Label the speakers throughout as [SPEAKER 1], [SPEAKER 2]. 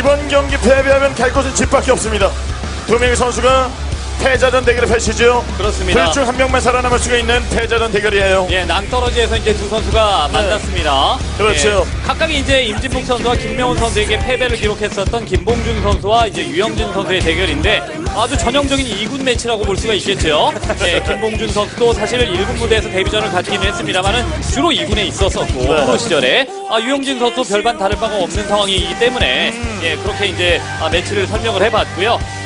[SPEAKER 1] 이번 경기 패배하면 갈 곳은 집밖에 없습니다. 두 명의 선수가 패자전 대결을 펼치죠.
[SPEAKER 2] 그렇습니다.
[SPEAKER 1] 둘 중 한 명만 살아남을 수가 있는 패자전 대결이에요.
[SPEAKER 2] 예, 낭떠러지에서 이제 두 선수가 만났습니다.
[SPEAKER 1] 그렇죠.
[SPEAKER 2] 예, 각각이 이제 임진묵 선수와 김명훈 선수에게 패배를 기록했었던 김봉준 선수와 이제 유영진 선수의 대결인데 아주 전형적인 2군 매치라고 볼 수가 있겠죠. 예, 김봉준 선수도 사실 1군 무대에서 데뷔전을 갖기는 했습니다만은 주로 2군에 있었었고 프로 시절에 유영진 선수도 별반 다를 바가 없는 상황이기 때문에 예, 그렇게 이제 매치를 설명을 해봤고요.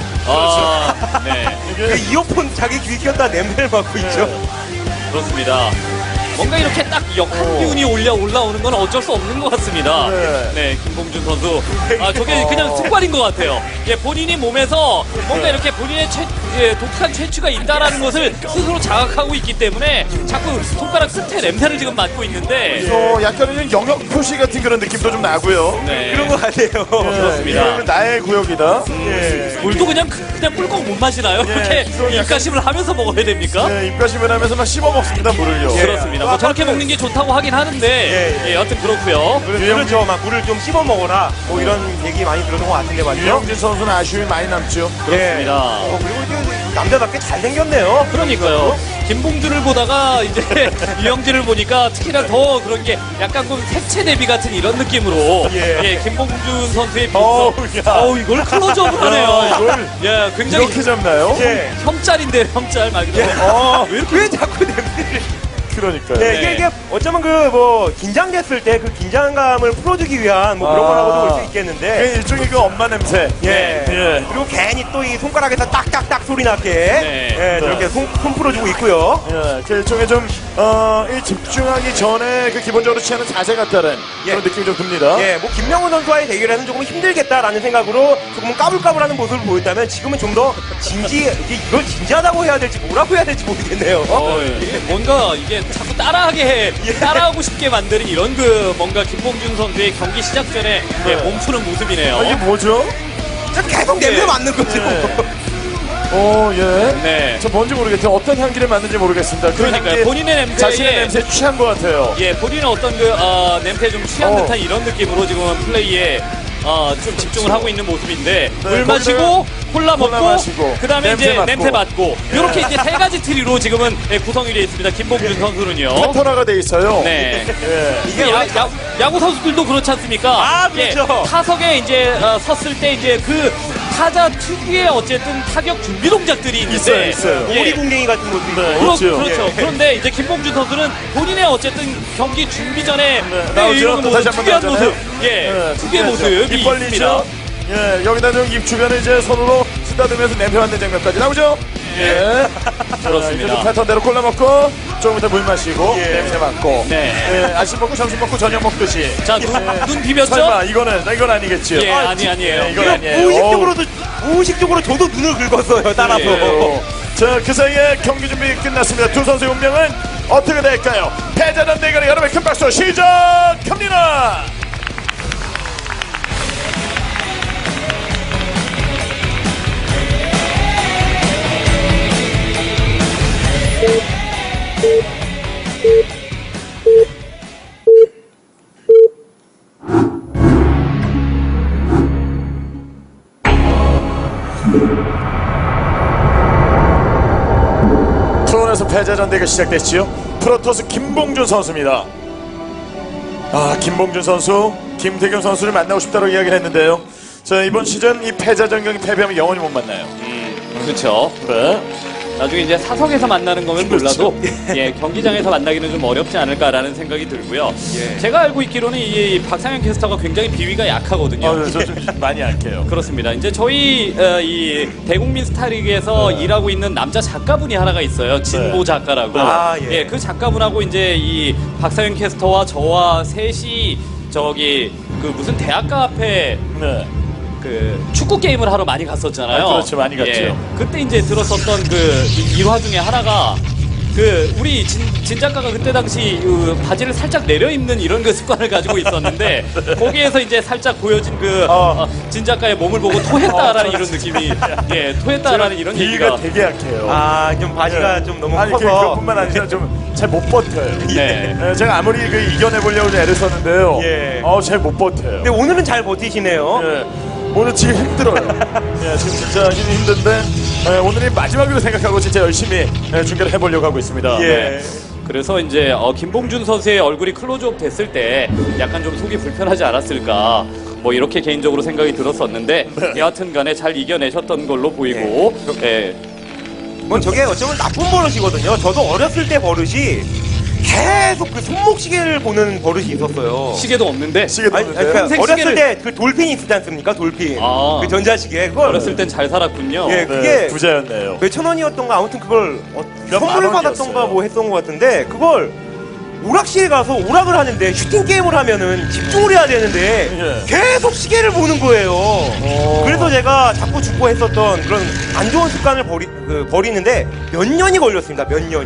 [SPEAKER 2] 네.
[SPEAKER 3] 그 이어폰 자기 귀 꼈다 냄새를 맡고 있죠.
[SPEAKER 2] 그렇습니다. 뭔가 이렇게 딱 역한 기운이 올라오는 건 어쩔 수 없는 것 같습니다. 네, 김봉준 선수. 저게 그냥 습관인 것 같아요. 예, 본인이 몸에서 뭔가 이렇게 본인의 독특한 채취가 있다라는 것을 스스로 자각하고 있기 때문에 자꾸 손가락 끝에 냄새를 지금 맡고 있는데.
[SPEAKER 1] 약간은 영역 표시 같은 그런 느낌도 좀 나고요.
[SPEAKER 2] 네.
[SPEAKER 3] 그런 거 같아요.
[SPEAKER 2] 그렇습니다.
[SPEAKER 1] 이거는 나의 구역이다.
[SPEAKER 2] 물도 그냥 꿀꺽 못 마시나요? 그렇게 입가심을 하면서 먹어야 됩니까?
[SPEAKER 1] 입가심을 하면서 막 씹어 먹습니다, 물을요.
[SPEAKER 2] 그렇습니다. 뭐 저렇게 먹는 게 좋다고 하긴 하는데, 예, 여튼 그렇고요.
[SPEAKER 3] 그렇죠. 막 물을 좀 씹어 먹어라. 뭐 이런 얘기 많이 들었던 것 같은데 맞죠?
[SPEAKER 1] 유영진 선수는 아쉬움이 많이 남죠.
[SPEAKER 2] 그렇습니다.
[SPEAKER 3] 그리고 이제 남자답게 잘생겼네요.
[SPEAKER 2] 그러니까요. 김봉준을 보다가 이제 유영진을 보니까 특히나 더 그런 게 약간 좀 색채 대비 같은 이런 느낌으로 예, 김봉준 선수의 비서 이걸 클로즈업을 하네요.
[SPEAKER 1] 이걸
[SPEAKER 2] 예, 굉장히
[SPEAKER 1] 이렇게 잡나요?
[SPEAKER 2] 혐짤인데 혐짤 말 그대로.
[SPEAKER 3] 왜 자꾸 냄새를?
[SPEAKER 1] 그러니까요.
[SPEAKER 3] 네, 이게 어쩌면 그 뭐 긴장됐을 때 그 긴장감을 풀어주기 위한 뭐 그런 거라고도 볼 수 있겠는데.
[SPEAKER 1] 그게 일종의 그 엄마 냄새.
[SPEAKER 3] 예.
[SPEAKER 1] 예.
[SPEAKER 3] 그리고 괜히 또 이 손가락에서 딱딱딱 소리 나게
[SPEAKER 2] 네.
[SPEAKER 3] 저렇게 손 풀어주고 있고요.
[SPEAKER 1] 예, 그 일종의 좀, 이 집중하기 전에 그 기본적으로 취하는 자세 같다는 그런 느낌이 좀 듭니다.
[SPEAKER 3] 예, 뭐 김명훈 선수와의 대결에는 조금 힘들겠다라는 생각으로 조금 까불까불하는 모습을 보였다면 지금은 좀 더 이걸 진지하다고 해야 될지 뭐라고 해야 될지 모르겠네요.
[SPEAKER 2] 예. 뭔가 이게 자꾸 따라하고 싶게 만드는 이런 그 뭔가 김봉준 선수의 경기 시작 전에 예, 몸푸는 모습이네요.
[SPEAKER 1] 이게 뭐죠?
[SPEAKER 3] 계속 냄새 맡는 거죠.
[SPEAKER 1] 예.
[SPEAKER 2] 네.
[SPEAKER 1] 저 뭔지 모르겠어요. 어떤 향기를 맡는지 모르겠습니다. 그
[SPEAKER 2] 그러니까요.
[SPEAKER 1] 향기에
[SPEAKER 2] 본인의 냄새에
[SPEAKER 1] 자신의 냄새에 취한 것 같아요.
[SPEAKER 2] 예, 본인은 어떤 그 냄새에 좀 취한 듯한 이런 느낌으로 지금 플레이에 좀 집중을 하고 있는 모습인데 물 마시고 콜라 먹고 그다음에 이제 냄새 맡고 이렇게 이제 세 가지 트리로 지금은 구성이 되어 있습니다. 김봉준 선수는요.
[SPEAKER 1] 패턴화가 돼 있어요.
[SPEAKER 2] 네.
[SPEAKER 1] 예.
[SPEAKER 2] 이게 야구 선수들도 그렇지 않습니까?
[SPEAKER 3] 그렇죠.
[SPEAKER 2] 예, 타석에 이제 섰을 때 이제 그 타자 특유의 어쨌든 타격 준비 동작들이 있는데
[SPEAKER 1] 있어요.
[SPEAKER 2] 예.
[SPEAKER 3] 오리궁뎅이 같은 모습이 있고.
[SPEAKER 2] 그렇죠. 그런데 이제 김봉준 선수는 본인의 어쨌든 경기 준비 전에
[SPEAKER 1] 나오죠.
[SPEAKER 2] 이런
[SPEAKER 1] 또 다시 한번
[SPEAKER 2] 특이한
[SPEAKER 1] 나오잖아요.
[SPEAKER 2] 모습, 특이의 모습이
[SPEAKER 1] 입 벌리죠.
[SPEAKER 2] 있습니다.
[SPEAKER 1] 예, 여기다 좀 입 주변을 이제 손으로 쓰다듬으면서 냄새 맡는 장면까지 나오죠. 예.
[SPEAKER 2] 그렇습니다.
[SPEAKER 1] 그 패턴대로 콜라 먹고 조금 이따 물 마시고 냄새 맡고.
[SPEAKER 2] 네.
[SPEAKER 1] 예, 아침 먹고 점심 먹고 저녁 먹듯이.
[SPEAKER 2] 자, 눈 비볐죠?
[SPEAKER 1] 설마 이건 아니겠지요.
[SPEAKER 2] 예, 아니에요.
[SPEAKER 1] 이건 아니에요.
[SPEAKER 3] 무의식적으로 저도 눈을 긁었어요. 따라서.
[SPEAKER 1] 자, 그 사이에 경기 준비 끝났습니다. 두 선수의 운명은 어떻게 될까요? 패자전 대결의 여러분의 큰 박수 시작합니다. 프로에서 패자전 대결 시작됐지요. 프로토스 김봉준 선수입니다. 김봉준 선수, 김태경 선수를 만나고 싶다고 이야기를 했는데요. 자, 이번 시즌 이 패자전 경기 패배하면 영원히 못 만나요.
[SPEAKER 2] 그렇죠.
[SPEAKER 1] 네.
[SPEAKER 2] 나중에 이제 사석에서 만나는 거면 몰라도 예, 경기장에서 만나기는 좀 어렵지 않을까라는 생각이 들고요. 제가 알고 있기로는 이 박상현 캐스터가 굉장히 비위가 약하거든요.
[SPEAKER 1] 저 좀 많이 할게요.
[SPEAKER 2] 그렇습니다. 이제 저희 이 대국민 스타리그에서 일하고 있는 남자 작가분이 하나가 있어요. 진보 작가라고. 예, 그 작가분하고 이제 이 박상현 캐스터와 저와 셋이 저기 그 무슨 대학가 앞에 그 축구 게임을 하러 많이 갔었잖아요.
[SPEAKER 1] 그렇죠, 많이 갔죠.
[SPEAKER 2] 그때 이제 들었었던 그 일화 중에 하나가 우리 진 작가가 그때 당시 바지를 살짝 내려 입는 이런 그 습관을 가지고 있었는데 거기에서 이제 살짝 보여진 진 작가의 몸을 보고 토했다라는 이런 느낌이 토했다라는 이런
[SPEAKER 1] 비위가
[SPEAKER 2] 얘기가
[SPEAKER 1] 되게 약해요.
[SPEAKER 3] 좀 바지가 좀 너무
[SPEAKER 1] 아니
[SPEAKER 3] 커서.
[SPEAKER 1] 그뿐만 아니라 좀 잘 못 버텨요.
[SPEAKER 2] 네.
[SPEAKER 1] 제가 아무리 이겨내보려고 애를 썼는데요.
[SPEAKER 3] 예.
[SPEAKER 1] 잘 못 버텨요.
[SPEAKER 3] 근데 오늘은 잘 버티시네요.
[SPEAKER 1] 오늘 지금 힘들어요. 지금 진짜 힘든데 오늘이 마지막으로 생각하고 진짜 열심히 중계를 해보려고 하고 있습니다.
[SPEAKER 3] 예.
[SPEAKER 2] 그래서 이제 김봉준 선수의 얼굴이 클로즈업 됐을 때 약간 좀 속이 불편하지 않았을까 뭐 이렇게 개인적으로 생각이 들었었는데 여하튼 간에 잘 이겨내셨던 걸로 보이고
[SPEAKER 3] 뭐 저게 어쩌면 나쁜 버릇이거든요. 저도 어렸을 때 버릇이 계속 그 손목시계를 보는 버릇이 있었어요.
[SPEAKER 2] 시계도 없는데
[SPEAKER 1] 시계도
[SPEAKER 3] 아니,
[SPEAKER 1] 없는데요?
[SPEAKER 3] 그러니까
[SPEAKER 2] 평생
[SPEAKER 3] 어렸을
[SPEAKER 2] 시계를-
[SPEAKER 3] 때 그 돌핀이 있지 않습니까? 돌핀.
[SPEAKER 2] 아.
[SPEAKER 3] 그 전자시계. 그걸
[SPEAKER 2] 어렸을 땐 잘 살았군요.
[SPEAKER 3] 예. 그게
[SPEAKER 1] 부자였네요.
[SPEAKER 3] 몇천 원이었던가 아무튼 그걸
[SPEAKER 1] 몇
[SPEAKER 3] 선물
[SPEAKER 1] 만
[SPEAKER 3] 받았던가
[SPEAKER 1] 원이었어요.
[SPEAKER 3] 뭐 했던 것 같은데 그걸 오락실에 가서 오락을 하는데 슈팅 게임을 하면은 집중을 해야 되는데
[SPEAKER 1] 예.
[SPEAKER 3] 계속 시계를 보는 거예요. 그래서 제가 자꾸 죽고 했었던 그런 안 좋은 습관을 버리는데 몇 년이 걸렸습니다. 몇 년이.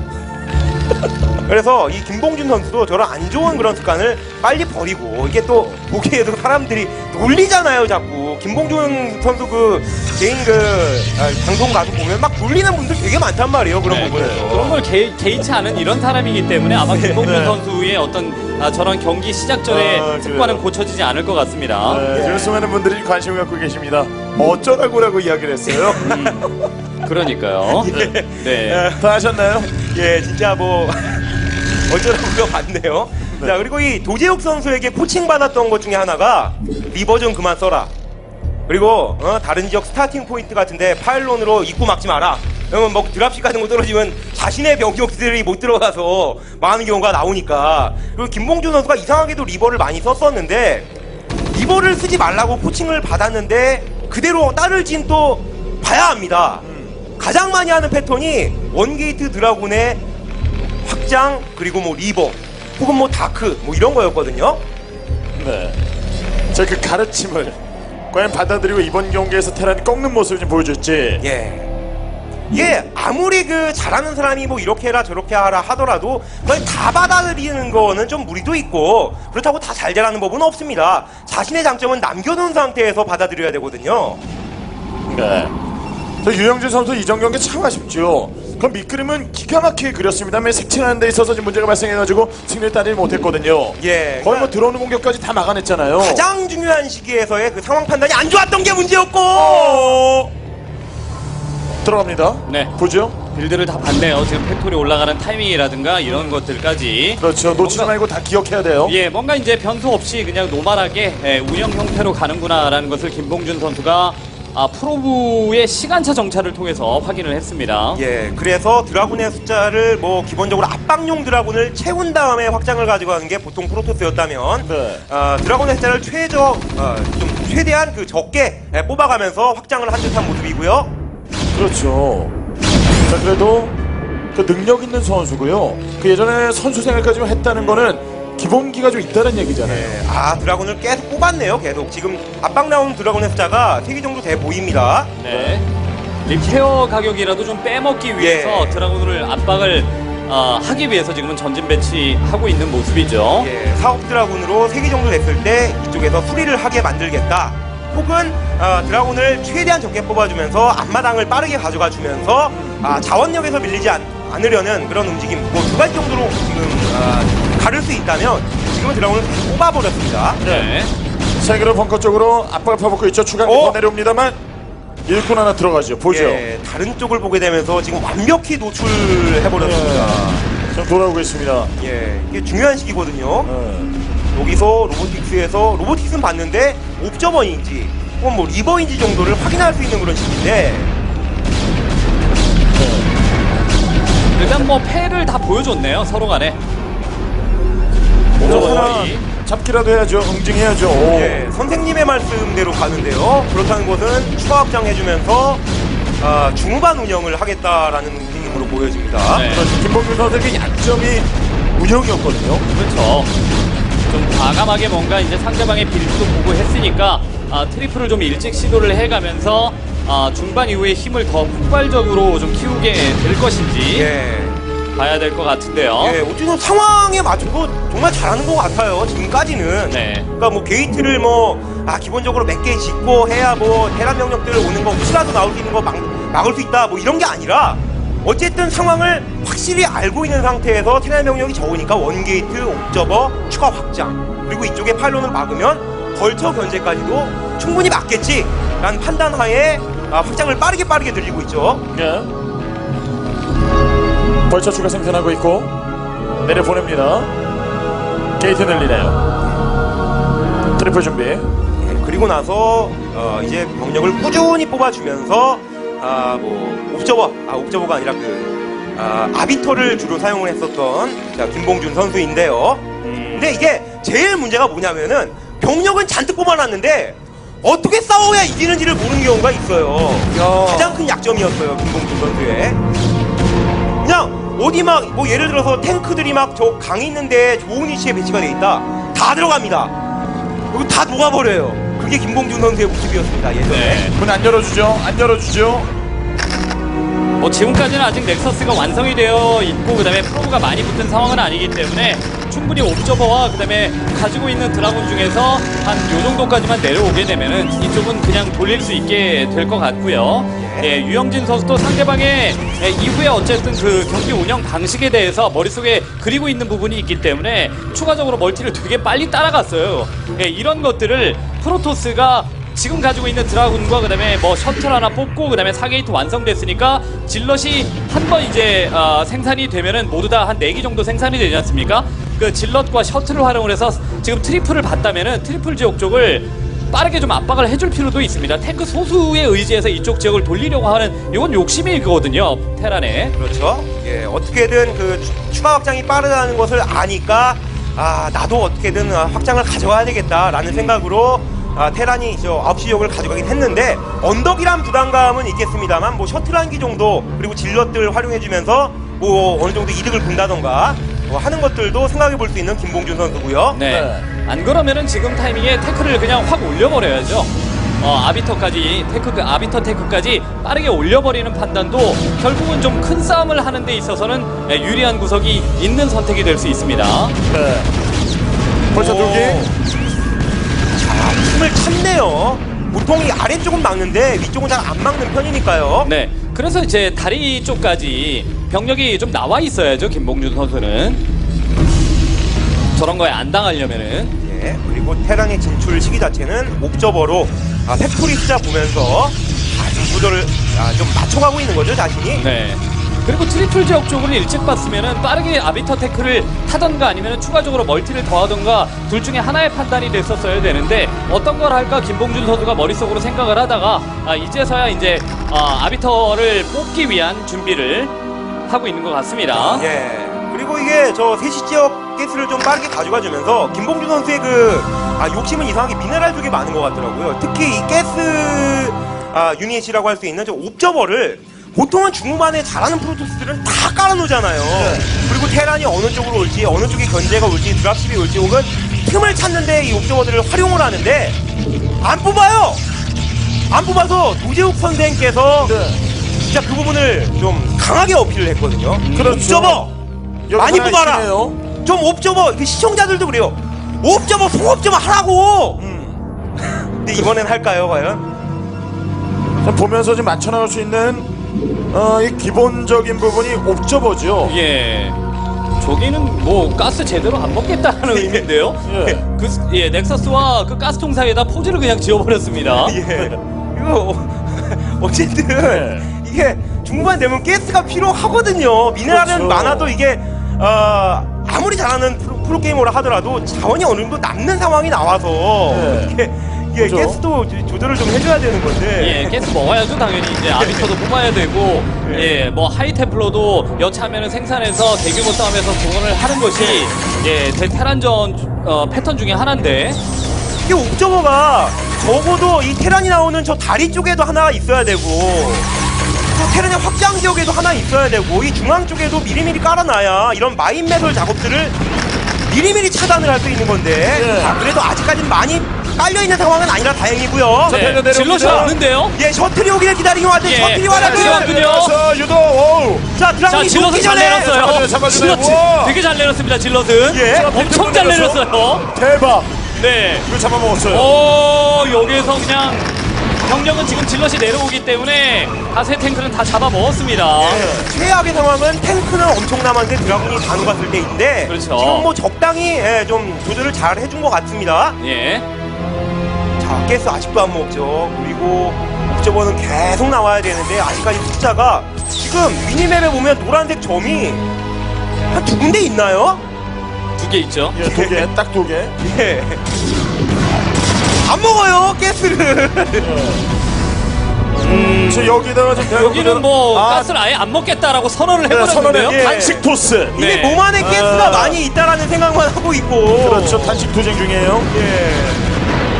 [SPEAKER 3] 그래서 이 김봉준 선수도 저런 안 좋은 그런 습관을 빨리 버리고 이게 또 보기에도 사람들이 놀리잖아요 자꾸 김봉준 선수 그 개인 방송 가서 보면 막 놀리는 분들 되게 많단 말이에요 그런
[SPEAKER 2] 네,
[SPEAKER 3] 부분에서.
[SPEAKER 2] 그런 걸 개의치 않은 이런 사람이기 때문에 아마 김봉준
[SPEAKER 1] 네.
[SPEAKER 2] 선수의 어떤 저런 경기 시작 전에 습관은 고쳐지지 않을 것 같습니다.
[SPEAKER 1] 지금 수많은 분들이 관심을 갖고 계십니다. 어쩌라고라고 이야기를 했어요.
[SPEAKER 2] 그러니까요. 네.
[SPEAKER 1] 다 하셨나요?
[SPEAKER 3] 예, 진짜 뭐 어쩌라고요 봤네요. 자 그리고 이 도재욱 선수에게 코칭 받았던 것 중에 하나가 리버 좀 그만 써라. 그리고 다른 지역 스타팅 포인트 같은데 파일론으로 입구 막지 마라. 그러면 뭐 드랍식 같은 거 떨어지면 자신의 병력들이 못 들어가서 많은 경우가 나오니까. 그리고 김봉준 선수가 이상하게도 리버를 많이 썼었는데 리버를 쓰지 말라고 코칭을 받았는데 그대로 따를진 또 봐야 합니다. 가장 많이 하는 패턴이 원게이트 드라군의 확장 그리고 뭐 리버 혹은 뭐 다크 뭐 이런 거였거든요.
[SPEAKER 1] 네. 제 그 가르침을 과연 받아들이고 이번 경기에서 테란이 꺾는 모습을 좀 보여줄지.
[SPEAKER 3] 예. 이게 아무리 그 잘하는 사람이 뭐 이렇게 해라 저렇게 하라 하더라도 그걸 다 받아들이는 거는 좀 무리도 있고 그렇다고 다 잘 되라는 법은 없습니다. 자신의 장점은 남겨놓은 상태에서 받아들여야 되거든요.
[SPEAKER 1] 네. 저 유영진 선수 이전 경기 참 아쉽죠. 그 밑그림은 기가 막히게 그렸습니다만 색칠하는 데 있어서 지금 문제가 발생해가지고 승리를 따내지 못했거든요.
[SPEAKER 3] 예.
[SPEAKER 1] 거의 뭐 들어오는 공격까지 다 막아냈잖아요.
[SPEAKER 3] 가장 중요한 시기에서의 그 상황 판단이 안 좋았던 게 문제였고.
[SPEAKER 1] 들어갑니다.
[SPEAKER 2] 네.
[SPEAKER 1] 보죠.
[SPEAKER 2] 빌드를 다 봤네요. 지금 팩토리 올라가는 타이밍이라든가 이런 것들까지.
[SPEAKER 1] 그렇죠. 놓치지
[SPEAKER 2] 뭔가-
[SPEAKER 1] 말고 다 기억해야 돼요.
[SPEAKER 2] 예, 뭔가 이제 변수 없이 그냥 노멀하게 운영 형태로 가는구나라는 것을 김봉준 선수가 프로부의 시간차 정찰을 통해서 확인을 했습니다.
[SPEAKER 3] 예, 그래서 드라군의 숫자를 뭐 기본적으로 압박용 드라군을 채운 다음에 확장을 가져가는 게 보통 프로토스였다면
[SPEAKER 1] 네.
[SPEAKER 3] 드라군의 숫자를 좀 최대한 그 적게 뽑아가면서 확장을 한 듯한 모습이고요.
[SPEAKER 1] 그렇죠. 자, 그래도 그 능력 있는 선수고요. 그 예전에 선수 생활까지 했다는 거는 기본기가 좀 있다는 얘기잖아요.
[SPEAKER 3] 예, 드라군을 계속 뽑았네요. 계속 지금 압박 나온 드라군의 숫자가 3개 정도 돼 보입니다.
[SPEAKER 2] 네. 리페어 가격이라도 좀 빼먹기 위해서
[SPEAKER 3] 예.
[SPEAKER 2] 드라군을 압박을 하기 위해서 지금은 전진 배치하고 있는 모습이죠.
[SPEAKER 3] 예, 사업 드라군으로 3개 정도 됐을 때 이쪽에서 수리를 하게 만들겠다. 혹은 드라군을 최대한 적게 뽑아주면서 앞마당을 빠르게 가져가 주면서 자원력에서 밀리지 않으려는 그런 움직임 뭐 2가지 정도로 지금 가를 수 있다면 지금은 드라군을 뽑아버렸습니다.
[SPEAKER 2] 네.
[SPEAKER 1] 세계로 벙커 쪽으로 압박을 퍼붓고 있죠. 추가기 더 내려옵니다만 일꾼 하나 들어가죠. 보죠.
[SPEAKER 3] 예, 다른 쪽을 보게 되면서 지금 완벽히 노출해버렸습니다.
[SPEAKER 1] 지금 돌아오고 있습니다.
[SPEAKER 3] 예, 이게 중요한 시기거든요.
[SPEAKER 1] 네.
[SPEAKER 3] 여기서 로보틱스에서 로보틱스는 봤는데 옵저버인지 혹은 뭐 리버인지 정도를 확인할 수 있는 그런 시기인데
[SPEAKER 2] 일단 뭐 패를 다 보여줬네요. 서로 간에.
[SPEAKER 1] 저 하나 잡기라도 해야죠. 응징해야죠. 오.
[SPEAKER 3] 예, 선생님의 말씀대로 가는데요. 그렇다는 것은 추가 확장해주면서 중후반 운영을 하겠다라는 느낌으로 보여집니다.
[SPEAKER 2] 네.
[SPEAKER 1] 그렇죠. 김봉준 선수의 약점이 운영이었거든요.
[SPEAKER 2] 그렇죠. 좀 과감하게 뭔가 이제 상대방의 빌드도 보고 했으니까 트리플을 좀 일찍 시도를 해가면서 중반 이후에 힘을 더 폭발적으로 좀 키우게 될 것인지.
[SPEAKER 3] 예.
[SPEAKER 2] 봐야 될 것 같은데요.
[SPEAKER 3] 예, 어쨌든 상황에 맞춰서 정말 잘하는 것 같아요. 지금까지는.
[SPEAKER 2] 네.
[SPEAKER 3] 그러니까 뭐 게이트를 기본적으로 몇 개 짓고 해야 뭐 테란 병력들 오는 거 혹시라도 나올 수 있는 거 막을 수 있다 뭐 이런 게 아니라 어쨌든 상황을 확실히 알고 있는 상태에서 테란 병력이 적으니까 원게이트, 옵저버, 추가 확장 그리고 이쪽에 파일론을 막으면 벌처 견제까지도 충분히 맞겠지라는 판단하에 확장을 빠르게 늘리고 있죠.
[SPEAKER 1] 예. 벌처 추가 생산하고 있고 내려보냅니다. 게이트 늘리네요. 트리플 준비.
[SPEAKER 3] 예, 그리고 나서 이제 병력을 꾸준히 뽑아주면서 옵저버가 아니라 아비터를 주로 사용을 했었던 김봉준 선수인데요. 근데 이게 제일 문제가 뭐냐면은 병력은 잔뜩 뽑아놨는데 어떻게 싸워야 이기는지를 모르는 경우가 있어요. 가장 큰 약점이었어요, 김봉준 선수의. 그냥 어디 뭐 예를 들어서 탱크들이 저 강 있는데 좋은 위치에 배치가 돼 있다. 다 들어갑니다. 그리고 다 녹아버려요. 그게 김봉준 선수의 모습이었습니다, 예전에.
[SPEAKER 2] 네.
[SPEAKER 1] 문 안 열어주죠. 안 열어주죠.
[SPEAKER 2] 뭐 지금까지는 아직 넥서스가 완성이 되어 있고 그다음에 프로브가 많이 붙은 상황은 아니기 때문에 충분히 옵저버와 그다음에 가지고 있는 드라군 중에서 한 요 정도까지만 내려오게 되면은 이쪽은 그냥 돌릴 수 있게 될 것 같고요. 예, 유영진 선수도 상대방의 이후에 어쨌든 그 경기 운영 방식에 대해서 머릿속에 그리고 있는 부분이 있기 때문에 추가적으로 멀티를 되게 빨리 따라갔어요. 예, 이런 것들을 프로토스가 지금 가지고 있는 드라군과 그다음에 뭐 셔틀 하나 뽑고 그다음에 4게이트 완성됐으니까 질럿이 한 번 이제 생산이 되면은 모두 다 한 4기 정도 생산이 되지 않습니까? 그 질럿과 셔틀을 활용을 해서 지금 트리플을 봤다면은 트리플 지역 쪽을 빠르게 좀 압박을 해줄 필요도 있습니다. 탱크 소수에 의지해서 이쪽 지역을 돌리려고 하는 이건 욕심이거든요, 테란에.
[SPEAKER 3] 그렇죠. 예, 어떻게든 추가 확장이 빠르다는 것을 아니까 나도 어떻게든 확장을 가져가야 되겠다라는 생각으로 테란이 9시 지역을 가져가긴 했는데 언덕이란 부담감은 있겠습니다만 뭐 셔틀 한 기 정도 그리고 질럿들 활용해주면서 뭐 어느 정도 이득을 본다던가 하는 것들도 생각해 볼 수 있는 김봉준 선수고요.
[SPEAKER 2] 네. 안 그러면은 지금 타이밍에 태클을 그냥 확 올려버려야죠. 아비터까지 아비터 테크까지 빠르게 올려버리는 판단도 결국은 좀 큰 싸움을 하는 데 있어서는 유리한 구석이 있는 선택이 될 수 있습니다.
[SPEAKER 1] 네. 벌처
[SPEAKER 3] 오.
[SPEAKER 1] 돌기.
[SPEAKER 3] 틈을 찾네요. 보통 이 아래쪽은 막는데 위쪽은 잘 안 막는 편이니까요.
[SPEAKER 2] 네. 그래서 이제 다리 쪽까지 병력이 좀 나와 있어야죠, 김봉준 선수는. 저런 거에 안 당하려면은.
[SPEAKER 3] 예, 그리고 테란의 진출 시기 자체는 옵저버로 팩토리 숫자 보면서 구조를 좀 맞춰가고 있는 거죠, 자신이.
[SPEAKER 2] 네. 그리고 트리플 지역 쪽을 일찍 봤으면은 빠르게 아비터 태클을 타던가 아니면 추가적으로 멀티를 더하던가 둘 중에 하나의 판단이 됐었어야 되는데 어떤 걸 할까 김봉준 선수가 머릿속으로 생각을 하다가 이제서야 이제 아비터를 뽑기 위한 준비를 하고 있는 것 같습니다.
[SPEAKER 3] 예. 그리고 이게 3시 지역 가스를 좀 빠르게 가져가주면서 김봉준 선수의 욕심은 이상하게 미네랄 쪽에 많은 것 같더라고요. 특히 이 가스 유닛이라고 할 수 있는 옵저버를 보통은 중후반에 잘하는 프로토스들은 다 깔아놓잖아요. 그리고 테란이 어느 쪽으로 올지, 어느 쪽에 견제가 올지, 드랍십이 올지, 혹은 틈을 찾는데 이 옵저버들을 활용을 하는데 안 뽑아요. 안 뽑아서 도재욱 선생께서 진짜 그 부분을 좀 강하게 어필을 했거든요.
[SPEAKER 1] 그렇죠.
[SPEAKER 3] 옵저버 많이 뽑아라. 좀 옵저버 시청자들도 그래요. 옵저버 송옵저버 하라고. 근데 이번엔 할까요, 과연?
[SPEAKER 1] 보면서 좀 맞춰나갈 수 있는 이 기본적인 부분이 옵저버죠.
[SPEAKER 2] 예. 저기는 뭐 가스 제대로 안 먹겠다는 의미인데요.
[SPEAKER 1] 예.
[SPEAKER 2] 넥서스와 그 가스통 사이에다 포즈를 그냥 지어버렸습니다.
[SPEAKER 3] 예. 이거 어쨌든 이게 중반 되면 가스가 필요하거든요. 미네랄은
[SPEAKER 1] 그렇죠.
[SPEAKER 3] 많아도 이게 아무리 잘하는 프로게이머라 하더라도 자원이 어느 정도 남는 상황이 나와서 이게
[SPEAKER 1] 그렇죠.
[SPEAKER 3] 가스도 조절을 좀 해줘야 되는 건데.
[SPEAKER 2] 예, 가스 먹어야죠 당연히. 이제 아비터도 뽑아야 되고, 뭐 하이템플러도 여차하면은 생산해서 대규모 싸움에서 동원을 하는 것이 테란전 패턴 중에 하나인데.
[SPEAKER 3] 이게 옵저버가 적어도 이 테란이 나오는 저 다리 쪽에도 하나 있어야 되고 또 테란의 확장 지역에도 하나 있어야 되고 이 중앙 쪽에도 미리미리 깔아놔야 이런 마인 매설 작업들을 미리미리 차단을 할 수 있는 건데 그래도 아직까지는 많이 깔려있는 상황은 아니라 다행이고요.
[SPEAKER 2] 네,
[SPEAKER 1] 내려옵니다.
[SPEAKER 2] 질럿이 없는데요?
[SPEAKER 3] 예, 셔틀이 오기를 기다리긴 왔는데
[SPEAKER 2] 예,
[SPEAKER 3] 셔틀이 와라도
[SPEAKER 2] 그렇군요.
[SPEAKER 1] 유도. 오우.
[SPEAKER 3] 자,
[SPEAKER 2] 자,
[SPEAKER 3] 드라군이
[SPEAKER 2] 질럿은
[SPEAKER 3] 녹기
[SPEAKER 2] 잘
[SPEAKER 3] 전에
[SPEAKER 2] 내렸어요.
[SPEAKER 1] 잡아주네요.
[SPEAKER 2] 질럿
[SPEAKER 1] 우와.
[SPEAKER 2] 되게 잘 내렸습니다, 질럿은.
[SPEAKER 3] 예.
[SPEAKER 2] 엄청 잘 내렸어요.
[SPEAKER 1] 대박.
[SPEAKER 2] 네.
[SPEAKER 1] 이거 잡아먹었어요.
[SPEAKER 2] 여기에서 그냥 병력은 지금 질럿이 내려오기 때문에 다수의 탱크는 다 잡아먹었습니다.
[SPEAKER 3] 최악의 상황은 탱크는 엄청 남았는데 드라군이 다 녹았을 때인데
[SPEAKER 2] 그렇죠.
[SPEAKER 3] 지금 뭐 적당히 좀 조절을 잘 해준 것 같습니다.
[SPEAKER 2] 예.
[SPEAKER 3] 자, 가스 아직도 안 먹죠. 그리고 옵저버는 계속 나와야 되는데 아직까지 숫자가 지금 미니맵에 보면 노란색 점이 한 2군데 있나요?
[SPEAKER 2] 2개 있죠.
[SPEAKER 1] 예, 2개, 딱 2개.
[SPEAKER 3] 예. 안 먹어요, 가스를.
[SPEAKER 1] 저 여기다가 좀
[SPEAKER 2] 여기는 뭐
[SPEAKER 1] 아,
[SPEAKER 2] 가스를 아예 안 먹겠다라고 선언을
[SPEAKER 1] 네,
[SPEAKER 2] 해버렸는데요.
[SPEAKER 1] 선언에
[SPEAKER 3] 예.
[SPEAKER 1] 단식 토스.
[SPEAKER 3] 이게
[SPEAKER 2] 네.
[SPEAKER 3] 몸 안에 가스가
[SPEAKER 1] 아.
[SPEAKER 3] 많이 있다라는 생각만 하고 있고.
[SPEAKER 1] 그렇죠. 단식 투쟁 중이에요.
[SPEAKER 3] 예.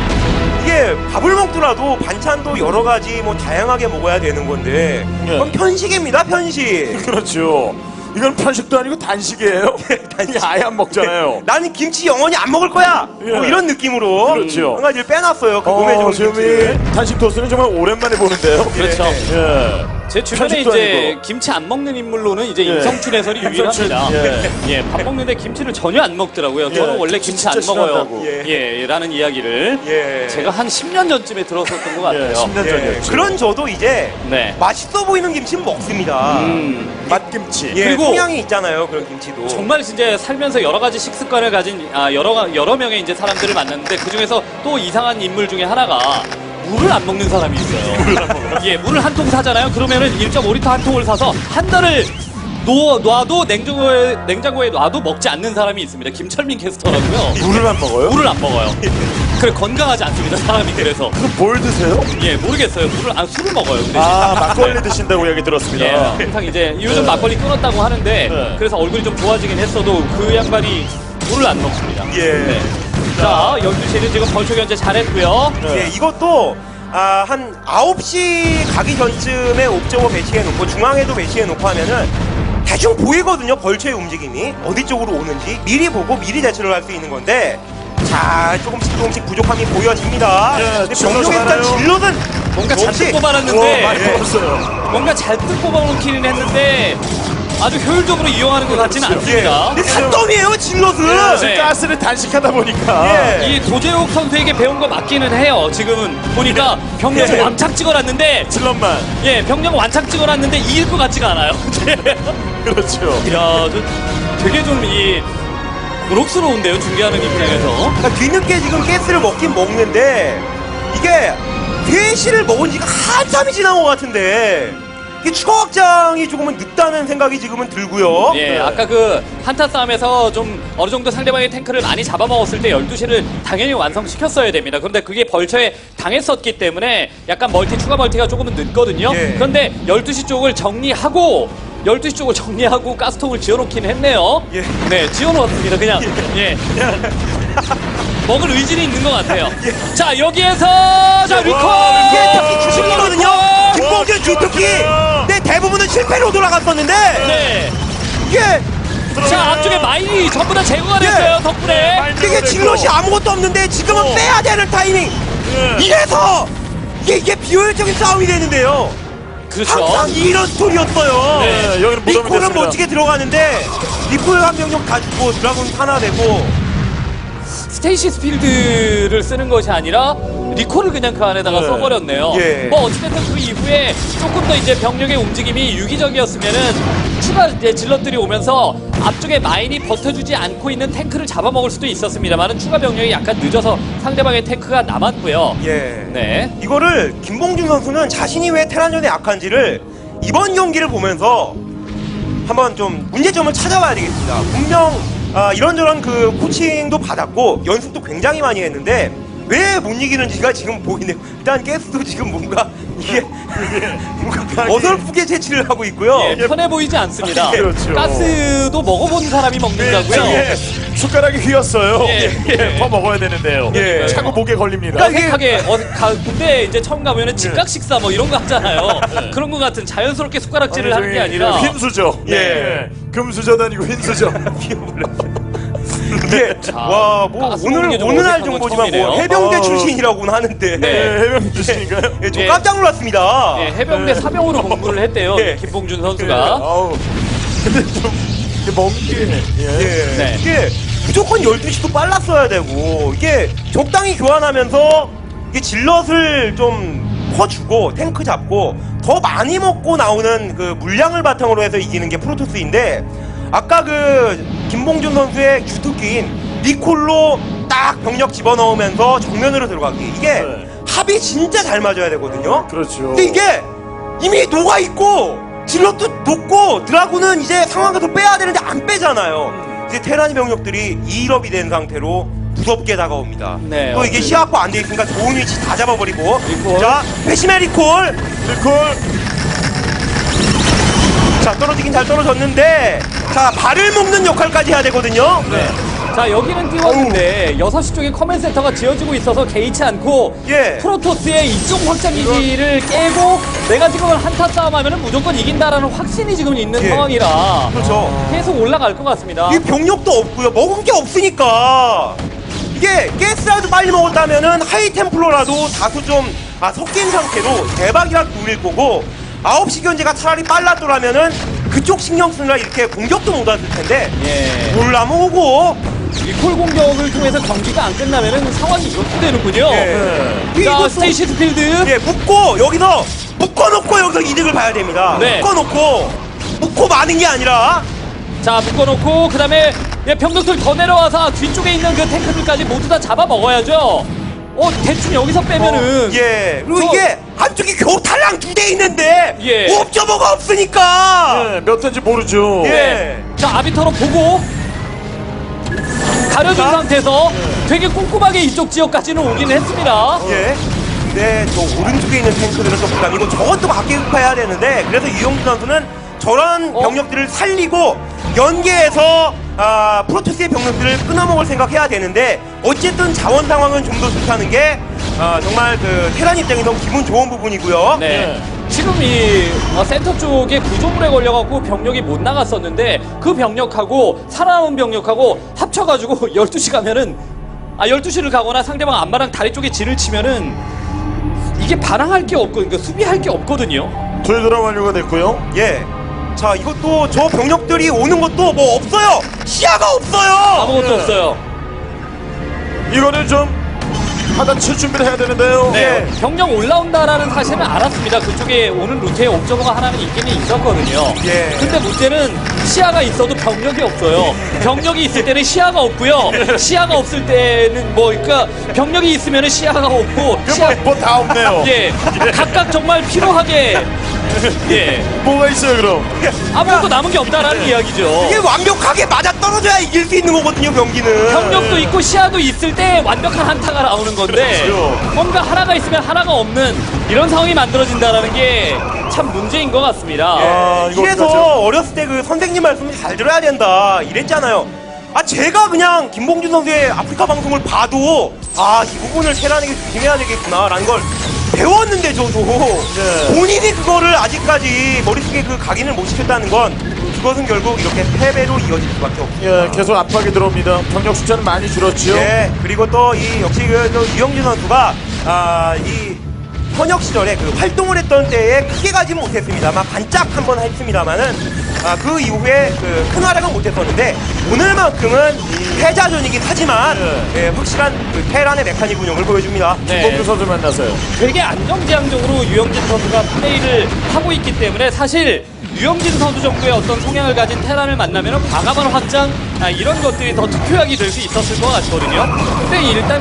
[SPEAKER 3] 이게 밥을 먹더라도 반찬도 여러 가지 뭐 다양하게 먹어야 되는 건데
[SPEAKER 1] 예.
[SPEAKER 3] 그건 편식입니다, 편식.
[SPEAKER 1] 그렇죠. 이건 편식도 아니고 단식이에요. 단식 아예 안 먹잖아요.
[SPEAKER 3] 나는 김치 영원히 안 먹을 거야.
[SPEAKER 1] 예.
[SPEAKER 3] 뭐 이런 느낌으로
[SPEAKER 1] 그렇죠.
[SPEAKER 3] 한 가지를 빼놨어요. 그 몸에 좋은
[SPEAKER 1] 지금
[SPEAKER 3] 김치를.
[SPEAKER 1] 이 단식 토스는 정말 오랜만에 보는데요.
[SPEAKER 2] 그렇죠.
[SPEAKER 1] 예.
[SPEAKER 2] 제 주변에
[SPEAKER 1] 편식도
[SPEAKER 2] 이제
[SPEAKER 1] 아니고.
[SPEAKER 2] 김치 안 먹는 인물로는 이제
[SPEAKER 1] 예.
[SPEAKER 2] 임성춘 해설이
[SPEAKER 1] 임성춘,
[SPEAKER 2] 유일합니다.
[SPEAKER 1] 예.
[SPEAKER 2] 예, 밥 먹는데 김치를 전혀 안 먹더라고요. 저는
[SPEAKER 1] 예,
[SPEAKER 2] 원래
[SPEAKER 1] 김치
[SPEAKER 2] 김치 안
[SPEAKER 1] 진짜
[SPEAKER 2] 먹어요.
[SPEAKER 1] 싫어한다고.
[SPEAKER 2] 예, 라는 이야기를
[SPEAKER 3] 예.
[SPEAKER 2] 제가 한 10년 전쯤에 들었었던 것 같아요.
[SPEAKER 1] 10년
[SPEAKER 3] 예.
[SPEAKER 1] 전이었죠.
[SPEAKER 3] 그런 저도 이제
[SPEAKER 2] 네.
[SPEAKER 3] 맛있어 보이는 김치는 먹습니다.
[SPEAKER 1] 맛김치.
[SPEAKER 3] 예,
[SPEAKER 2] 그리고
[SPEAKER 3] 성향이 있잖아요, 그런 김치도.
[SPEAKER 2] 정말 진짜 살면서 여러 가지 식습관을 가진 여러 명의 이제 사람들을 만났는데 그 중에서 또 이상한 인물 중에 하나가 물을 안 먹는 사람이 있어요. 예, 물을 한 통 사잖아요. 그러면은 1.5리터 한 통을 사서 한 달을 놔도 냉장고에 놔도 먹지 않는 사람이 있습니다. 김철민 캐스터라고요.
[SPEAKER 1] 물을 안 먹어요?
[SPEAKER 2] 물을 안 먹어요. 그래 건강하지 않습니다. 사람이 그래서.
[SPEAKER 1] 그럼 뭘 드세요?
[SPEAKER 2] 예, 모르겠어요. 술을 먹어요. 그 대신.
[SPEAKER 1] 아, 막걸리 드신다고 얘기 들었습니다.
[SPEAKER 2] 예, 항상 이제 요즘 막걸리 끊었다고 하는데
[SPEAKER 1] 네.
[SPEAKER 2] 그래서 얼굴이 좀 좋아지긴 했어도 그 양반이 물을 안 먹습니다.
[SPEAKER 3] 예.
[SPEAKER 2] 네. 자, 12시는 지금 벌초 견제 잘했고요.
[SPEAKER 1] 네.
[SPEAKER 3] 예, 이것도 한 9시 가기 전쯤에 옵저버 배치해놓고 중앙에도 배치해놓고 하면은 대충 보이거든요, 벌초의 움직임이 어디 쪽으로 오는지 미리 보고 미리 대처를 할 수 있는 건데 자, 조금씩 부족함이 보여집니다.
[SPEAKER 1] 예,
[SPEAKER 3] 근데
[SPEAKER 1] 질럿이
[SPEAKER 3] 병력의 일단
[SPEAKER 1] 많아요.
[SPEAKER 3] 질럿은
[SPEAKER 2] 뭔가 잔뜩
[SPEAKER 3] 역시-
[SPEAKER 1] 우와,
[SPEAKER 2] 뽑아놨는데
[SPEAKER 1] 많이
[SPEAKER 3] 예.
[SPEAKER 1] 먹었어요.
[SPEAKER 2] 뭔가 잔뜩 뽑아놓기는 했는데 아주 효율적으로 이용하는 것 같지는
[SPEAKER 3] 예.
[SPEAKER 2] 않습니다.
[SPEAKER 3] 근데 산더미에요, 질럿은.
[SPEAKER 2] 네.
[SPEAKER 1] 가스를 단식하다 보니까.
[SPEAKER 3] 예.
[SPEAKER 2] 이 도재욱 선수에게 배운 거 맞기는 해요. 지금은 보니까 병력
[SPEAKER 1] 예.
[SPEAKER 2] 왕창 찍어놨는데
[SPEAKER 1] 질럿만.
[SPEAKER 2] 예, 병력 완창 찍어놨는데 이길 것 같지가 않아요.
[SPEAKER 1] 그렇죠.
[SPEAKER 2] 야, 저 되게 좀 고록스러운데요, 중계하는 입장에서.
[SPEAKER 3] 그러니까 뒤늦게 지금 가스를 먹긴 먹는데 이게 3시를 먹은 지가 한참이 지난 것 같은데 이게 추가 확장이 조금은 늦다는 생각이 지금은 들고요.
[SPEAKER 2] 예,
[SPEAKER 1] 네.
[SPEAKER 2] 아까 그 한타 싸움에서 좀 어느 정도 상대방의 탱크를 많이 잡아먹었을 때 12시를 당연히 완성시켰어야 됩니다. 그런데 그게 벌처에 당했었기 때문에 약간 추가 멀티가 조금은 늦거든요.
[SPEAKER 3] 예.
[SPEAKER 2] 그런데 12시 쪽을 정리하고 12시 쪽을 정리하고 가스통을 지어놓긴 했네요.
[SPEAKER 3] 예.
[SPEAKER 2] 네, 지어놓았습니다. 그냥. 예. 먹을 의지는 있는 것 같아요. 자, 여기에서 자, 리콜!
[SPEAKER 3] 이게 특히 주식이거든요.
[SPEAKER 1] 와,
[SPEAKER 3] 김봉준 주특기.
[SPEAKER 1] 기가
[SPEAKER 3] 근데 대부분은 실패로 돌아갔었는데
[SPEAKER 2] 네.
[SPEAKER 3] 이게
[SPEAKER 2] 자, 앞쪽에 마인이 전부 다 제거가 됐어요. 덕분에.
[SPEAKER 3] 이게 질럿이 아무것도 없는데 지금은 빼야 되는 타이밍.
[SPEAKER 1] 예.
[SPEAKER 3] 이래서 이게 비효율적인 싸움이 되는데요.
[SPEAKER 2] 그렇죠.
[SPEAKER 3] 항상 이런 스토리였어요.
[SPEAKER 2] 네,
[SPEAKER 1] 여기는 못 오면
[SPEAKER 3] 리콜은
[SPEAKER 1] 됐습니다.
[SPEAKER 3] 멋지게 들어가는데 리콜 한 명령 다 죽고 드라군 하나 되고
[SPEAKER 2] 스테이시스 필드를 쓰는 것이 아니라 리콜을 그냥 그 안에다가
[SPEAKER 1] 네.
[SPEAKER 2] 써버렸네요.
[SPEAKER 3] 예.
[SPEAKER 2] 뭐 어찌됐든 그 이후에 조금 더 이제 병력의 움직임이 유기적이었으면은 추가 이제 질럿들이 오면서 앞쪽에 마인이 버텨주지 않고 있는 탱크를 잡아먹을 수도 있었습니다만은 추가 병력이 약간 늦어서 상대방의 탱크가 남았고요.
[SPEAKER 3] 예.
[SPEAKER 2] 네.
[SPEAKER 3] 이거를 김봉준 선수는 자신이 왜 테란전에 약한지를 이번 경기를 보면서 한번 좀 문제점을 찾아봐야 되겠습니다. 분명 이런저런 그 코칭도 받았고 연습도 굉장히 많이 했는데 왜 못 이기는지가 지금 보이네요. 일단 가스도 지금 뭔가 이게 뭔가 어설프게 채취를 하고 있고요.
[SPEAKER 2] 예, 편해 보이지 않습니다.
[SPEAKER 1] 그렇죠.
[SPEAKER 2] 가스도 먹어본 사람이 먹는다고요.
[SPEAKER 1] 예. 숟가락이 휘었어요.
[SPEAKER 2] 예.
[SPEAKER 1] 더 먹어야 되는데요.
[SPEAKER 3] 예.
[SPEAKER 1] 차고 목에 걸립니다.
[SPEAKER 3] 그러니까 이게-
[SPEAKER 2] 어색하게 군대 이제 처음 가면은 즉각 식사 뭐 이런 거 하잖아요. 그런 거 같은 자연스럽게 숟가락질을 하는 게 아니라
[SPEAKER 1] 흰수저.
[SPEAKER 3] 예.
[SPEAKER 1] 금수저 다니고 흰수저.
[SPEAKER 3] 이게 와, 뭐
[SPEAKER 2] 가스
[SPEAKER 3] 오늘
[SPEAKER 2] 먹는 게 좀
[SPEAKER 3] 어느 날
[SPEAKER 2] 어색한 건
[SPEAKER 3] 정보지만 뭐
[SPEAKER 2] 처음이네요.
[SPEAKER 3] 해병대
[SPEAKER 1] 어우.
[SPEAKER 3] 출신이라고는 하는데
[SPEAKER 2] 네.
[SPEAKER 1] 해병 주시니까요.
[SPEAKER 3] 예, 좀
[SPEAKER 2] 예.
[SPEAKER 3] 깜짝 놀랐습니다.
[SPEAKER 2] 예, 해병대 사병으로 공부를 했대요.
[SPEAKER 3] 예.
[SPEAKER 2] 김봉준 선수가.
[SPEAKER 1] 아우. 근데 좀 멍게. 예.
[SPEAKER 3] 예.
[SPEAKER 2] 네.
[SPEAKER 3] 이게 무조건 12시도 빨랐어야 되고 이게 적당히 교환하면서 이게 질럿을 좀 퍼주고 탱크 잡고 더 많이 먹고 나오는 그 물량을 바탕으로 해서 이기는 게 프로토스인데 아까 그 김봉준 선수의 주특기인 니콜로 딱 병력 집어넣으면서 정면으로 들어가기 이게
[SPEAKER 1] 네.
[SPEAKER 3] 합이 진짜 잘 맞아야 되거든요.
[SPEAKER 1] 그렇죠.
[SPEAKER 3] 근데 이게 이미 녹아있고 질럿도 녹고 드라군은 이제 상황에서 빼야 되는데 안 빼잖아요. 이제 테란이 병력들이 2일업이 된 상태로 무섭게 다가옵니다.
[SPEAKER 2] 네,
[SPEAKER 3] 또 이게 시야포 안 돼 있으니까 좋은 위치 다 잡아버리고
[SPEAKER 2] 리콜.
[SPEAKER 3] 자 배심의 리콜
[SPEAKER 1] 리콜.
[SPEAKER 3] 자 떨어지긴 잘 떨어졌는데 자 발을 묶는 역할까지 해야 되거든요.
[SPEAKER 2] 네. 자, 여기는 띄웠는데 6시 쪽에 커맨 센터가 지어지고 있어서 개의치 않고
[SPEAKER 3] 예.
[SPEAKER 2] 프로토스의 이쪽 확장 기지를 깨고 내가 지금 한타 싸움하면 무조건 이긴다라는 확신이 지금 있는
[SPEAKER 3] 예.
[SPEAKER 2] 상황이라
[SPEAKER 3] 그렇죠.
[SPEAKER 2] 계속 올라갈 것 같습니다.
[SPEAKER 3] 이 병력도 없고요. 먹은 게 없으니까 이게 가스라도 빨리 먹었다면은 하이템플러라도 다소 좀 섞인 상태로 대박이라도 울릴 거고 9시 견제가 차라리 빨랐더라면은 그쪽 신경 쓰느라 이렇게 공격도 못 왔을 텐데
[SPEAKER 2] 예.
[SPEAKER 3] 몰라먹고
[SPEAKER 2] 리콜 공격을 통해서 경기가 안 끝나면은 상황이 이렇게 되는군요.
[SPEAKER 3] 예.
[SPEAKER 2] 자,
[SPEAKER 3] 이거
[SPEAKER 2] 스테이시스 필드.
[SPEAKER 3] 예, 묶고 여기서 묶어놓고 여기서 이득을 봐야 됩니다.
[SPEAKER 2] 네.
[SPEAKER 3] 묶고 마는 게 아니라
[SPEAKER 2] 자, 묶어놓고 그다음에 병력들 더 내려와서 뒤쪽에 있는 그 탱크들까지 모두 다 잡아 먹어야죠. 대충 여기서 빼면은
[SPEAKER 3] 예 그리고
[SPEAKER 2] 저-
[SPEAKER 3] 이게 한쪽이 겨우 탈랑 2대 있는데
[SPEAKER 2] 예.
[SPEAKER 3] 옵저버가 없으니까
[SPEAKER 1] 예, 몇 회인지 모르죠.
[SPEAKER 3] 예.
[SPEAKER 2] 자, 아비터로 보고 가려준
[SPEAKER 3] 자.
[SPEAKER 2] 상태에서 되게 꼼꼼하게 이쪽 지역까지는 오기는 했습니다.
[SPEAKER 3] 예. 근데 저 오른쪽에 있는 탱크들은 좀 부담이고 저것도 각계급파해야 되는데 그래서 유영준 선수는 저런 병력들을 살리고 연계해서 프로토스의 병력들을 끊어먹을 생각해야 되는데 어쨌든 자원 상황은 좀 더 좋다는 게 정말 그 테란 입장에서 기분 좋은 부분이고요.
[SPEAKER 2] 네. 지금 이 센터 쪽에 구조물에 걸려갖고 병력이 못 나갔었는데 그 병력하고 살아남은 병력하고 합쳐가지고 12시 가면은 12시를 가거나 상대방 안마랑 다리 쪽에 진을 치면은 이게 반항할 게 없고 그러니까 수비할 게 없거든요.
[SPEAKER 1] 돌드라 완료가 됐고요.
[SPEAKER 3] 예. 자 이것도 저 병력들이 오는 것도 뭐 없어요. 시야가 없어요.
[SPEAKER 2] 아무것도 없어요.
[SPEAKER 1] 이거는 좀 하단 칠 준비를 해야 되는데요.
[SPEAKER 2] 네, 병력 올라온다라는 사실은 알았습니다. 그쪽에 오는 루트에 옵저버가 하나는 있기는 있었거든요.
[SPEAKER 3] 예.
[SPEAKER 2] 근데 문제는 시야가 있어도 병력이 없어요. 병력이 있을 때는 시야가 없고요. 시야가 없을 때는 그러니까 병력이 있으면은 시야가 없고
[SPEAKER 1] 뭐다 없네요.
[SPEAKER 2] 예, 각각 정말 필요하게 예,
[SPEAKER 1] 뭐가 있어요 그럼?
[SPEAKER 2] 아무것도 남은 게 없다라는 이야기죠.
[SPEAKER 3] 이게 완벽하게 맞아 떨어져야 이길 수 있는 거거든요 경기는.
[SPEAKER 2] 병력도 있고 시야도 있을 때 완벽한 한타가 나오는 건데
[SPEAKER 1] 그렇죠.
[SPEAKER 2] 뭔가 하나가 있으면 하나가 없는 이런 상황이 만들어진다는 게 참 문제인 것 같습니다.
[SPEAKER 1] 이거
[SPEAKER 3] 이래서
[SPEAKER 1] 어떡하죠?
[SPEAKER 3] 어렸을 때 그 선생님 말씀 잘 들어야 된다 이랬잖아요. 제가 그냥 김봉준 선수의 아프리카 방송을 봐도 이 부분을 테란에게 조심해야 되겠구나라는 걸 배웠는데 저도 본인이 그거를 아직까지 머릿속에 그 각인을 못 시켰다는 건 그것은 결국 이렇게 패배로 이어질 수밖에 없습니다.
[SPEAKER 1] 예, 계속 압박이 들어옵니다. 병력 숫자는 많이 줄었죠.
[SPEAKER 3] 예, 그리고 또 이 역시 또 유영진 선수가 이 현역 시절에 그 활동을 했던 때에 크게 가지는 못했습니다만 반짝 한번 했습니다만은 그 이후에 그 큰 활약은 못했었는데 오늘만큼은 패자전이긴 하지만 확실한 그 테란의 메카닉 운영을 보여줍니다.
[SPEAKER 2] 네.
[SPEAKER 1] 김봉주 선수 만나서요.
[SPEAKER 2] 되게 안정지향적으로 유영진 선수가 플레이를 하고 있기 때문에 사실 유영진 선수 정도의 어떤 성향을 가진 테란을 만나면 과감한 확장 이런 것들이 더 투표하게 될 수 있었을 것 같거든요. 근데 일단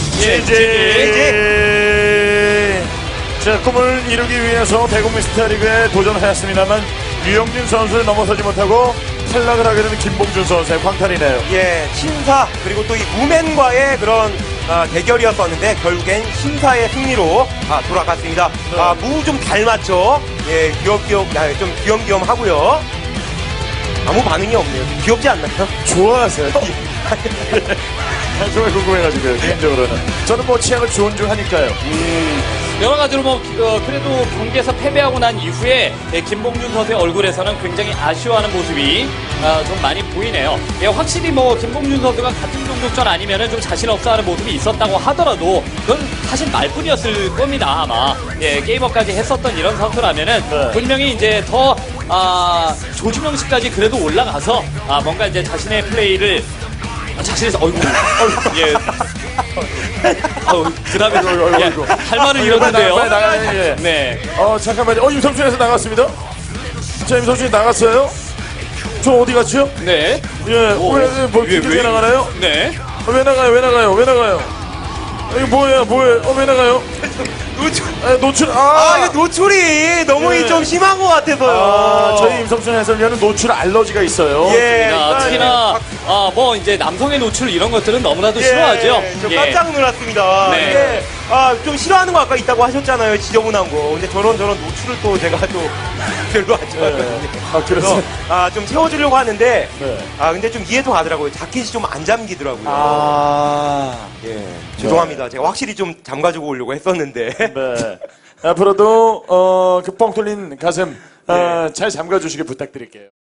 [SPEAKER 1] 자, 꿈을 이루기 위해서 대국 미스터리그에 도전하였습니다만 유영진 선수를 넘어서지 못하고 탈락을 하게 되는 김봉준 선수의 광탈이네요.
[SPEAKER 3] 예, 신사 그리고 또 이 무맨과의 그런 대결이었었는데 결국엔 신사의 승리로 돌아갔습니다. 무 좀 닮았죠. 예, 좀 귀염귀염 하고요. 아무 반응이 없네요. 귀엽지 않나요?
[SPEAKER 1] 좋아하세요. 정말 궁금해가지고요, 개인적으로는. 저는 뭐 취향을 존중하니까요.
[SPEAKER 2] 여러 가지로 뭐 그래도 경기에서 패배하고 난 이후에 김봉준 선수의 얼굴에서는 굉장히 아쉬워하는 모습이 좀 많이 보이네요. 예, 확실히 뭐 김봉준 선수가 같은 종족전 아니면은 좀 자신 없어하는 모습이 있었다고 하더라도 그건 사실 말뿐이었을 겁니다. 아마 예, 게이머까지 했었던 이런 선수라면은
[SPEAKER 1] 네.
[SPEAKER 2] 분명히 이제 더 조준영 씨까지 그래도 올라가서 뭔가 이제 자신의 플레이를 자신에서 예. 그다음에 할 말을 잃었는데요.
[SPEAKER 1] 빨리 나가요. 예.
[SPEAKER 2] 네.
[SPEAKER 1] 잠깐만요. 임성준에서 나갔습니다. 자, 임성준이 나갔어요. 저 어디 갔죠?
[SPEAKER 2] 네.
[SPEAKER 1] 예, 뭐, 왜 나가나요?
[SPEAKER 2] 네.
[SPEAKER 1] 왜 나가요? 이거 뭐예요? 왜 나가요? 노출,
[SPEAKER 3] 이거 노출이 너무
[SPEAKER 1] 예.
[SPEAKER 3] 좀 심한 것 같아서요.
[SPEAKER 1] 저희 임성준 해설위원은 노출 알러지가 있어요.
[SPEAKER 3] 예,
[SPEAKER 2] 특히나 뭐 이제 남성의 노출 이런 것들은 너무나도 싫어하죠.
[SPEAKER 3] 저
[SPEAKER 2] 예.
[SPEAKER 3] 깜짝 놀랐습니다.
[SPEAKER 2] 네.
[SPEAKER 3] 이게 좀 싫어하는 거 아까 있다고 하셨잖아요. 지저분한 거. 근데 저런 노출을 또 제가 또 별로 안 좋아하거든요.
[SPEAKER 1] 그래서
[SPEAKER 3] 좀 채워주려고 하는데
[SPEAKER 1] 네.
[SPEAKER 3] 근데 좀 이해도 가더라고요. 자켓이 좀 안 잠기더라고요. 예, 죄송합니다. 제가 확실히 좀 잠가주고 오려고 했었는데.
[SPEAKER 1] 네. 앞으로도 그 뻥 뚫린 가슴 잘 잠가주시길 부탁드릴게요.